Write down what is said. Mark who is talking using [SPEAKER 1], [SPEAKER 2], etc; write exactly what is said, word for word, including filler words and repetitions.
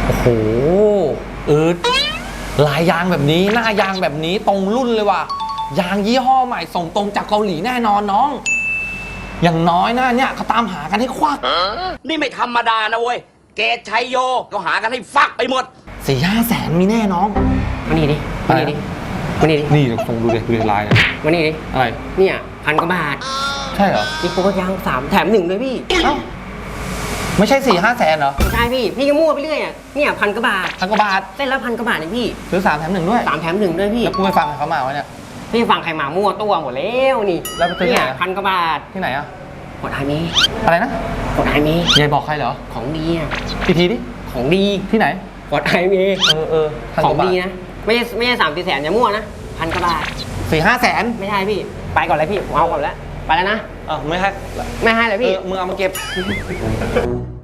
[SPEAKER 1] โอ้โหเออลายยางแบบนี้หน้ายางแบบนี้ตรงรุ่นเลยว่ะยางยี่ห้อใหม่ส่งตรงจากเกาหลีแน่นอนน้องอย่างน้อยนะเนี่ยเขาตามหากันให้ควัก
[SPEAKER 2] นี่ไม่ธรรมดานะเว้ยเกตชัยโยก็หากันให้ฟักไปหมด
[SPEAKER 1] สี่ห้าแสนมีแน่น้อง
[SPEAKER 3] มานี่ดิมานี่ดิมานี่ดิ
[SPEAKER 1] นี่ส่งดูเลยดูลาย
[SPEAKER 3] มานี่ดิ
[SPEAKER 1] อะไร
[SPEAKER 3] เนี่ยพันกว่าบาท
[SPEAKER 1] ใช่เหรอ
[SPEAKER 3] อีกโปรยางสามแถมหนึ่งเลยพี่
[SPEAKER 1] เอ้าไม่ใช่สี่ห้าแสนเหรอ
[SPEAKER 3] ไม่ใช่พี่พี่ก็มั่วไปเรื่อยอ่ะเนี่ยพันกว่าบาท
[SPEAKER 1] พันกว่าบาท
[SPEAKER 3] เส้นละพันกว่าบาทเลยพี่
[SPEAKER 1] ซื้อสามแถมหนึ่งด้วย
[SPEAKER 3] สามแถมหนึ่งด้วยพี่
[SPEAKER 1] แล้วกูไปฟังเขามาวะเนี่ย
[SPEAKER 3] พี่ฟังใครมามั่วตัวหมดแล้วนี่
[SPEAKER 1] แล้วไปซื้อที่ไหน
[SPEAKER 3] พันกว่าบาท
[SPEAKER 1] ที่ไหนอ่ะ
[SPEAKER 3] กดไฮเมย์
[SPEAKER 1] อะไรนะ
[SPEAKER 3] กดไฮเมย์
[SPEAKER 1] ยายบอกใครเหรอ
[SPEAKER 3] ของดีอ่ะ
[SPEAKER 1] พี่ทีดิ
[SPEAKER 3] ของดี
[SPEAKER 1] ที่ไหน
[SPEAKER 3] กดไฮเมย์
[SPEAKER 1] เออเออ
[SPEAKER 3] ของดีนะไม่ใช่ไม่ใช่สามสี่แสนอย่ามั่วนะพันกว่าบาท
[SPEAKER 1] สี่ห้าแสน
[SPEAKER 3] ไม่ใช่พี่ไปก่อนเลยพี่ผมเอาก่อนแล้วไปแล้วนะ
[SPEAKER 1] เออไม่ให้
[SPEAKER 3] ไม่ให้เลยพี่
[SPEAKER 1] มึงเอามาเก็บ